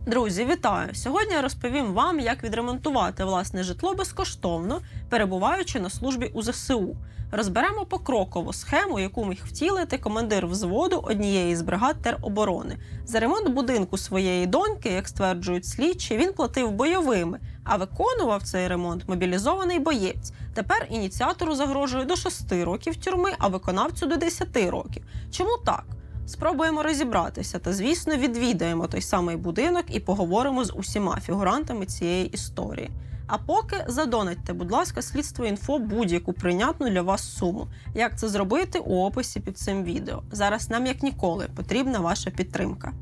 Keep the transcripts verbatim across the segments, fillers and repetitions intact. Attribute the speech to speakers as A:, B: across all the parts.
A: Друзі, вітаю! Сьогодні я розповім вам, як відремонтувати власне житло безкоштовно, перебуваючи на службі у зе се у. Розберемо покроково схему, яку міг втілити командир взводу однієї з бригад тероборони. За ремонт будинку своєї доньки, як стверджують слідчі, він платив бойовими, а виконував цей ремонт мобілізований боєць. Тепер ініціатору загрожує до шести років тюрми, а виконавцю до десяти років. Чому так? Спробуємо розібратися та, звісно, відвідаємо той самий будинок і поговоримо з усіма фігурантами цієї історії. А поки задонатьте, будь ласка, Слідство інфо будь-яку прийнятну для вас суму. Як це зробити, у описі під цим відео. Зараз нам, як ніколи, потрібна ваша підтримка.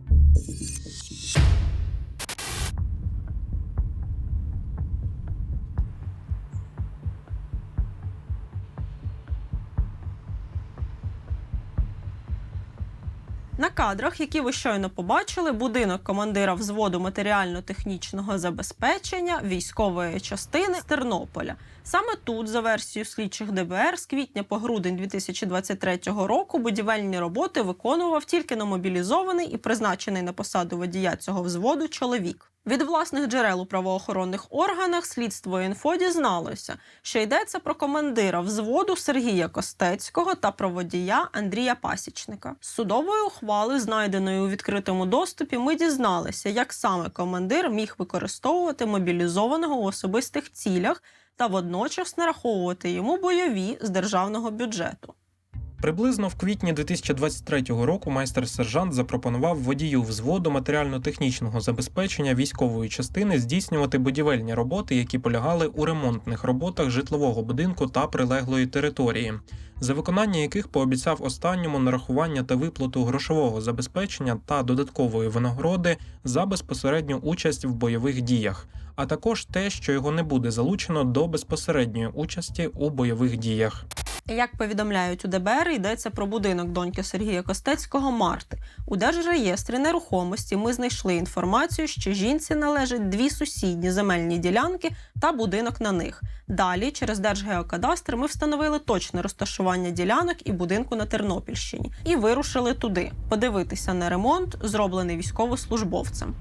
A: На кадрах, які ви щойно побачили, будинок командира взводу матеріально-технічного забезпечення військової частини з Тернополя. Саме тут, за версією слідчих де бе ер, з квітня по грудень дві тисячі двадцять третього року будівельні роботи виконував тільки номобілізований і призначений на посаду водія цього взводу чоловік. Від власних джерел у правоохоронних органах Слідство інфо дізналося, що йдеться про командира взводу Сергія Костецького та про водія Андрія Пасічника. З судової ухвали, знайденої у відкритому доступі, ми дізналися, як саме командир міг використовувати мобілізованого у особистих цілях та водночас нараховувати йому бойові з державного бюджету.
B: Приблизно в квітні дві тисячі двадцять третього року майстер-сержант запропонував водію взводу матеріально-технічного забезпечення військової частини здійснювати будівельні роботи, які полягали у ремонтних роботах житлового будинку та прилеглої території, за виконання яких пообіцяв останньому нарахування та виплату грошового забезпечення та додаткової винагороди за безпосередню участь в бойових діях, а також те, що його не буде залучено до безпосередньої участі у бойових діях.
A: Як повідомляють у де бе ер, йдеться про будинок доньки Сергія Костецького Марти. У Держреєстрі нерухомості ми знайшли інформацію, що жінці належать дві сусідні земельні ділянки та будинок на них. Далі, через Держгеокадастр, ми встановили точне розташування ділянок і будинку на Тернопільщині. І вирушили туди, подивитися на ремонт, зроблений військовослужбовцем.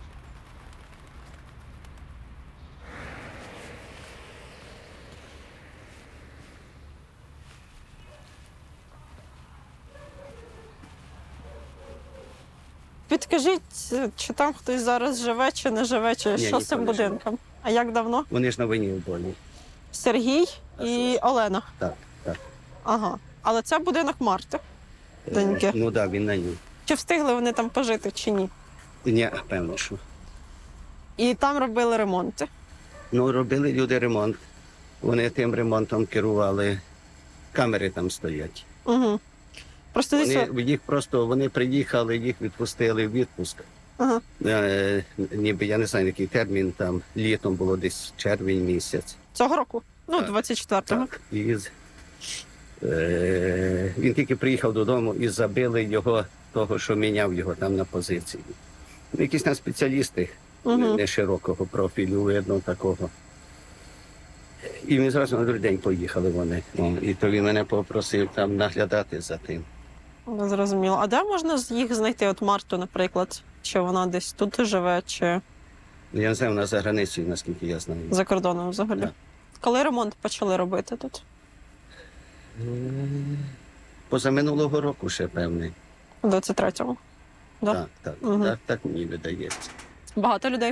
A: Підкажіть, чи там хтось зараз живе, чи не живе, чи
C: Ні,
A: що з цим
C: ніхто не живе.
A: будинком? А як давно?
C: Вони ж на війні в полі.
A: Сергій
C: А
A: і
C: що?
A: Олена.
C: Так, так.
A: Ага. Але це будинок Марти. Доньки.
C: Е, Ну так, він на ній.
A: Чи встигли вони там пожити, чи ні?
C: Ні, певно, що.
A: І там робили ремонти.
C: Ну, робили люди ремонт. Вони тим ремонтом керували. Камери там стоять.
A: Угу. Просто дивіться.
C: Вони, їх просто, вони приїхали, їх відпустили в відпуск.
A: Ага.
C: Е, ніби, я не знаю, який термін там, літом було десь червень місяць.
A: Цього року? Ну,
C: Так.
A: двадцять четвертого.
C: Так. І, з- е, він тільки приїхав додому і забили його, того, що міняв його там на позиції. Якісь там спеціалісти.
A: Угу.
C: Не широкого профілю, видно такого. І ми зразу на другий день поїхали вони. О, І то він мене попросив там наглядати за тим.
A: Зрозуміло. А де можна з- їх знайти? От Марту, наприклад. Чи вона десь тут живе, чи
C: Ну, я не знаю, вона за границею, наскільки я знаю.
A: за кордоном взагалі?
C: Так.
A: Коли ремонт почали робити тут?
C: Позаминулого року ще певний.
A: У двадцять третьому. Да?
C: Так, так,
A: Мгм.
C: так, так мені видається.
A: Багато людей.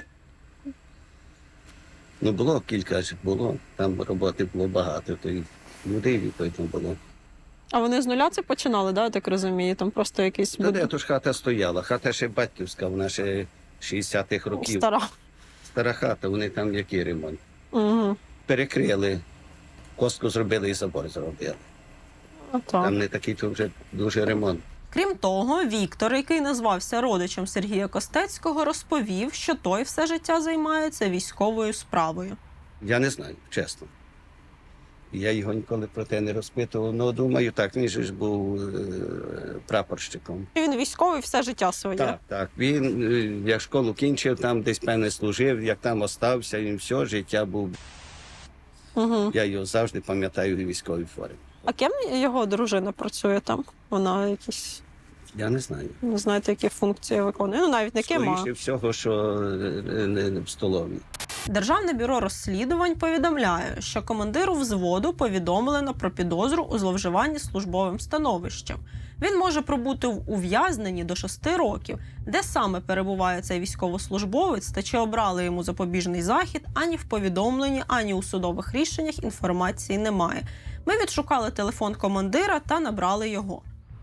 C: Ну, було кілька ж було, там роботи було багато, то й людей відповідно було.
A: А вони з нуля це починали, да, я так розумію? Там просто якийсь
C: Та де то ж хата стояла, хата ще батьківська, вона ще шістдесятих років.
A: стара.
C: Стара хата, вони там який ремонт.
A: Угу.
C: Перекрили, костку зробили і забор зробили. Там не такий то вже дуже ремонт.
A: Крім того, Віктор, який назвався родичем Сергія Костецького, розповів, що той все життя займається військовою справою.
C: Я не знаю, чесно. Я його ніколи про те не розпитував. Ну, думаю, так, він же ж був е, прапорщиком.
A: Він військовий все життя своє.
C: Так, так. Він, е, як школу кінчив, там десь, певне, служив, як там остався, він все життя був.
A: Угу.
C: Я його завжди пам'ятаю у військовій формі.
A: А ким його дружина працює там? Вона якісь...
C: Я не знаю.
A: Не знаєте, які функції виконує. Ну, навіть не ким, а...
C: Скоріше всього, що е, не в столовій.
A: Державне бюро розслідувань повідомляє, що командиру взводу повідомлено про підозру у зловживанні службовим становищем. Він може пробути в ув'язненні до шести років. Де саме перебуває цей військовослужбовець та чи обрали йому запобіжний захід, ані в повідомленні, ані у судових рішеннях інформації немає. Ми відшукали телефон командира та набрали його.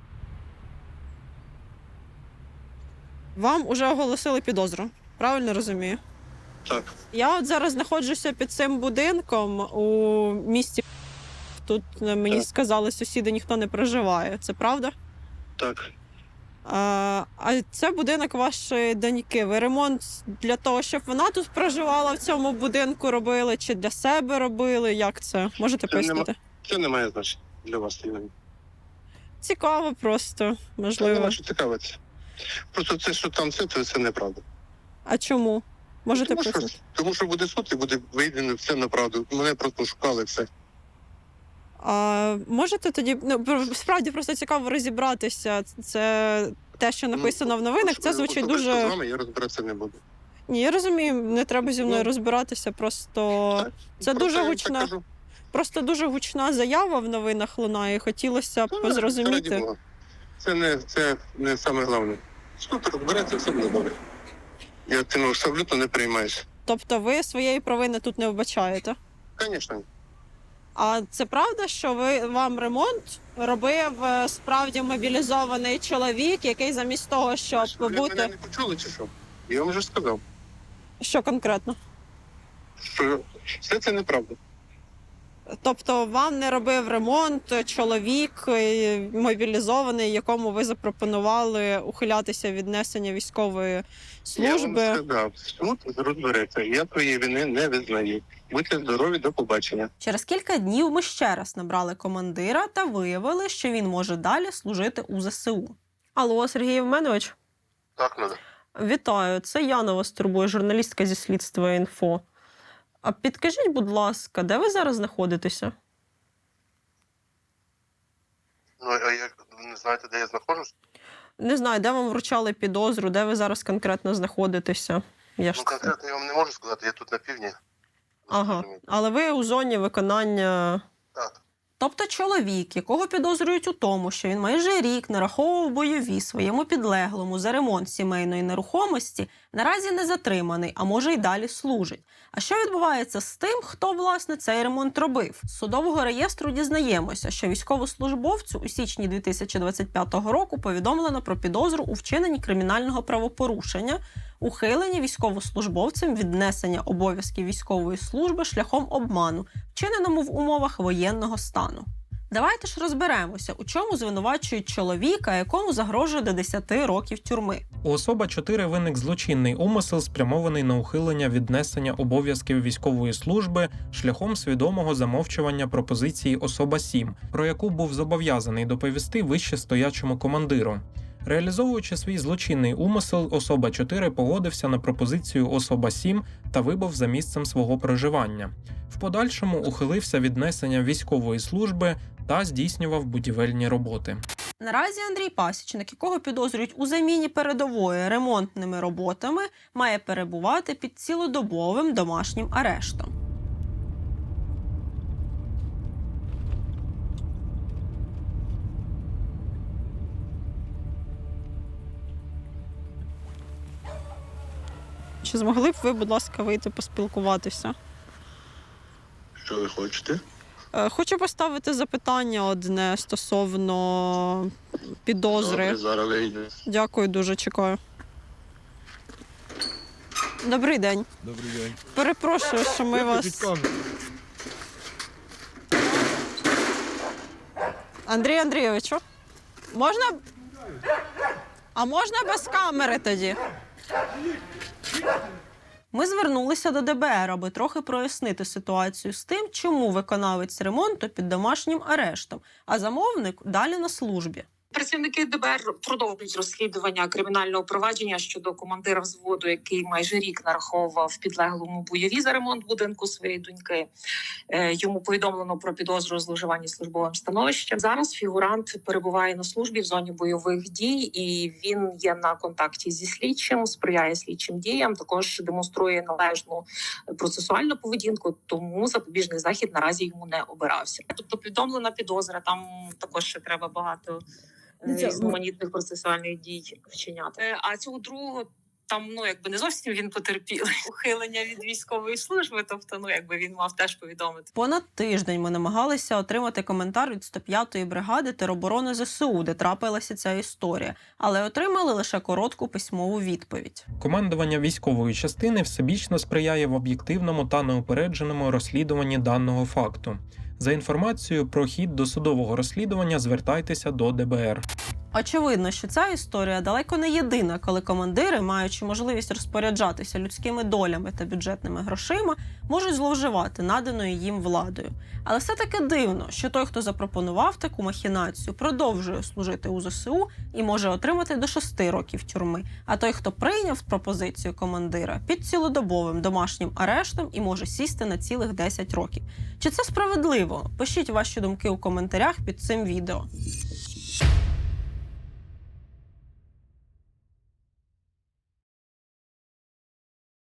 A: Вам уже оголосили підозру, правильно розумію?
D: Так,
A: Я от зараз знаходжуся під цим будинком у місті. Тут е, мені
D: Так.
A: сказали, сусіди ніхто не проживає. Це правда?
D: так.
A: А, а це будинок вашої доньки. Ви ремонт для того, щоб вона тут проживала в цьому будинку, робили чи для себе робили? Як це? Можете
D: Це
A: пояснити?
D: Це не має значення для вас. Іван.
A: Цікаво просто,
D: Це
A: можливо.
D: нема що цікавитися. Просто це, що там це, то це неправда.
A: А чому? Можете
D: Тому що,
A: пояснити?
D: тому що буде суд і буде вийдено все на правду. Мене просто шукали все.
A: А можете тоді, ну, про- справді просто цікаво розібратися. Це те, що написано в новинах, це звучить
D: Особисто з
A: дуже...
D: вами я розбиратися не буду.
A: Ні, я розумію, не треба зі мною
D: Ну,
A: розбиратися, просто
D: так.
A: це
D: Просто
A: дуже
D: я так
A: гучна,
D: кажу.
A: просто дуже гучна заява в новинах лунає. Хотілося б
D: Та, раді
A: зрозуміти.
D: Бога. Це не, це не саме головне. Суд розбереться, все буде добре. Я цим абсолютно не приймаюся.
A: Тобто ви своєї провини тут не вбачаєте.
D: Звісно.
A: А це правда, що ви вам ремонт робив е, справді мобілізований чоловік, який замість того, щоб
D: Ви мене
A: бути...
D: не почули чи що? Я вам вже сказав,
A: Що конкретно?
D: що все це неправда.
A: Тобто вам не робив ремонт чоловік е, мобілізований, якому ви запропонували ухилятися від несення військової служби.
D: Я вам сказав, суд розбереться. Я твоєї вини не визнаю. Будьте здорові, до побачення.
A: Через кілька днів ми ще раз набрали командира та виявили, що він може далі служити у ЗСУ. Алло, Сергій Євменович,
D: Так, надо.
A: вітаю. Це Яна вас турбує, журналістка зі слідства інфо. А підкажіть, будь ласка, де ви зараз знаходитеся?
D: Ну, а як не знаєте, де я знаходжусь?
A: Не знаю, де вам вручали підозру, де ви зараз конкретно знаходитеся? Я ж
D: Ну,
A: це-
D: конкретно я вам не можу сказати, я тут на півдні.
A: Ага,
D: Розумієте?
A: але ви у зоні виконання.
D: Так.
A: Тобто чоловік, якого підозрюють у тому, що він майже рік нараховував бойові своєму підлеглому за ремонт сімейної нерухомості, наразі не затриманий, а може й далі служить. А що відбувається з тим, хто, власне, цей ремонт робив? З судового реєстру дізнаємося, що військовослужбовцю у січні дві тисячі двадцять п'ятого року повідомлено про підозру у вчиненні кримінального правопорушення, ухиленні військовослужбовцем від несення обов'язків військової служби шляхом обману, вчиненому в умовах воєнного стану. Давайте ж розберемося, у чому звинувачують чоловіка, якому загрожує до десяти років тюрми.
B: У особа чотири виник злочинний умисел, спрямований на ухилення від несення обов'язків військової служби шляхом свідомого замовчування пропозиції особа сім, про яку був зобов'язаний доповісти вище стоячому командиру. Реалізовуючи свій злочинний умисел, особа чотири погодився на пропозицію особа сім та вибув за місцем свого проживання. В подальшому ухилився від несення військової служби та здійснював будівельні роботи.
A: Наразі Андрій Пасічник, якого підозрюють у заміні передової ремонтними роботами, має перебувати під цілодобовим домашнім арештом. Чи змогли б ви, будь ласка, вийти поспілкуватися?
D: Що ви хочете?
A: Е, Хочу поставити запитання одне стосовно підозри.
D: Добре, зараз вийду.
A: Дякую дуже, чекаю. Добрий день.
E: Добрий день.
A: Перепрошую, що ми вас... Андрій Андрійовичу, можна... А можна без камери тоді? Ми звернулися до Д Б Р, аби трохи прояснити ситуацію з тим, чому виконавець ремонту під домашнім арештом, а замовник далі на службі.
E: Працівники ДБР продовжують розслідування кримінального провадження щодо командира взводу, який майже рік нараховував підлеглому бойові за ремонт будинку своєї доньки. Е, Йому повідомлено про підозру у зловживанні службовим становищем. Зараз фігурант перебуває на службі в зоні бойових дій, і він є на контакті зі слідчим, сприяє слідчим діям, також демонструє належну процесуальну поведінку, тому запобіжний захід наразі йому не обирався. Тобто повідомлена підозра, там також ще треба багато е, різноманітних процесуальних дій вчиняти. Е, А цього другого там, ну, якби не зовсім він потерпілий. Ухилення від військової служби, тобто, ну, якби він мав теж повідомити.
A: Понад тиждень ми намагалися отримати коментар від сто п'ятої бригади тероборони ЗСУ, де трапилася ця історія, але отримали лише коротку письмову відповідь.
B: Командування військової частини всебічно сприяє в об'єктивному та неупередженому розслідуванні даного факту. За інформацією про хід досудового розслідування звертайтеся до ДБР.
A: Очевидно, що ця історія далеко не єдина, коли командири, маючи можливість розпоряджатися людськими долями та бюджетними грошима, можуть зловживати наданою їм владою. Але все-таки дивно, що той, хто запропонував таку махінацію, продовжує служити у ЗСУ і може отримати до шести років тюрми, а той, хто прийняв пропозицію командира, під цілодобовим домашнім арештом і може сісти на цілих десять років. Чи це справедливо? Пишіть ваші думки у коментарях під цим відео.